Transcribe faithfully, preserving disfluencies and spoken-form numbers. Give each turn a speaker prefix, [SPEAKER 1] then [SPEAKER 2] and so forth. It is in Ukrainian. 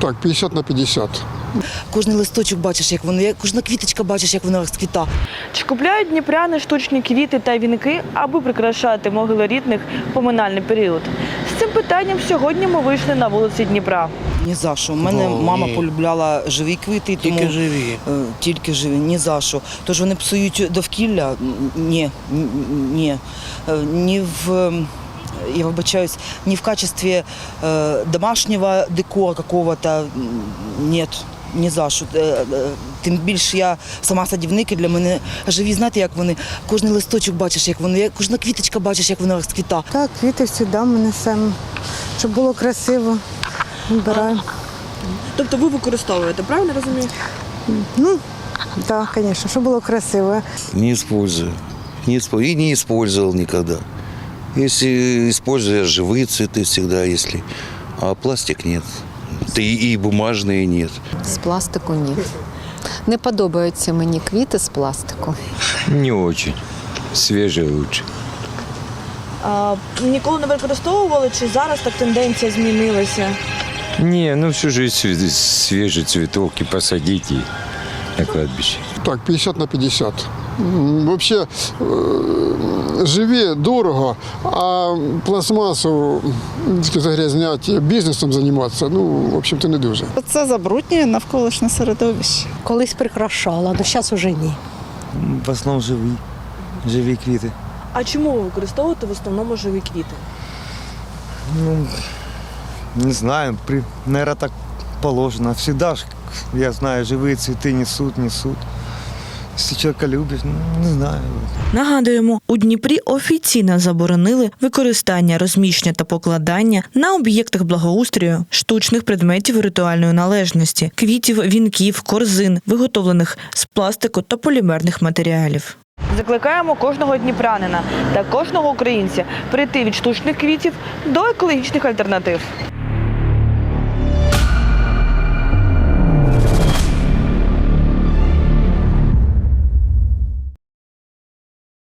[SPEAKER 1] Так, п'ятдесят на п'ятдесят.
[SPEAKER 2] Кожний листочок бачиш, як воно, кожна квіточка бачиш, як вона розквіта.
[SPEAKER 3] Чи купляють дніпряни штучні квіти та вінки, аби прикрашати могили рідних в поминальний період? З цим питанням сьогодні ми вийшли на вулиці Дніпра.
[SPEAKER 2] Ні за що. У мене
[SPEAKER 4] О,
[SPEAKER 2] мама
[SPEAKER 4] ні.
[SPEAKER 2] полюбляла живі квіти, тому
[SPEAKER 4] Тільки живі.
[SPEAKER 2] е, тільки живі, ні за що. Тож вони псують довкілля? Ні, ні. Е, ні в, е, я вибачаюсь, ні в качестві е, домашнього декора какого-то, ні. Ні за що. Тим більше я сама садівник, і для мене живі, знаєте, як вони, кожний листочок бачиш, як воно, кожна квіточка бачиш, як вона розквіта.
[SPEAKER 5] Так, квіти завжди ми несемо, щоб було красиво. Вибираємо.
[SPEAKER 3] Тобто ви використовуєте, правильно розумію?
[SPEAKER 5] Ну, так, звісно, щоб було красиво.
[SPEAKER 4] Не использую. Не исп- и не использовал никогда. Если использую живые цветы всегда, если, а пластик нет. Да и, и бумажные нет.
[SPEAKER 6] З пластику ні. Не подобаються мені квіти з пластику.
[SPEAKER 7] Не очень. Свежие лучше.
[SPEAKER 3] А, ніколи не використовували, чи зараз так тенденція змінилася?
[SPEAKER 7] Не, ну всю жизнь све- свежий цветок и посадить и на кладбище.
[SPEAKER 1] Так, п'ятдесят на п'ятдесят. М, Вообще е, живі дорого, а пластмасу м, загрязняти, бізнесом займатися, ну, в общем-то, не дуже.
[SPEAKER 8] Це забруднює навколишнє середовище.
[SPEAKER 9] Колись прикрашала, але зараз уже ні.
[SPEAKER 10] В основному живі, живі квіти.
[SPEAKER 3] А чому ви використовуєте в основному живі квіти?
[SPEAKER 10] Ну, не знаю, при, наверное, так положено. Всегда ж, я знаю, живі цвіти несуть, несуть. Якщо чоловіка любиш, ну, не знаю.
[SPEAKER 3] Нагадуємо, у Дніпрі офіційно заборонили використання, розміщення та покладання на об'єктах благоустрою штучних предметів ритуальної належності, квітів, вінків, корзин, виготовлених з пластику та полімерних матеріалів. Закликаємо кожного дніпрянина та кожного українця прийти від штучних квітів до екологічних альтернатив.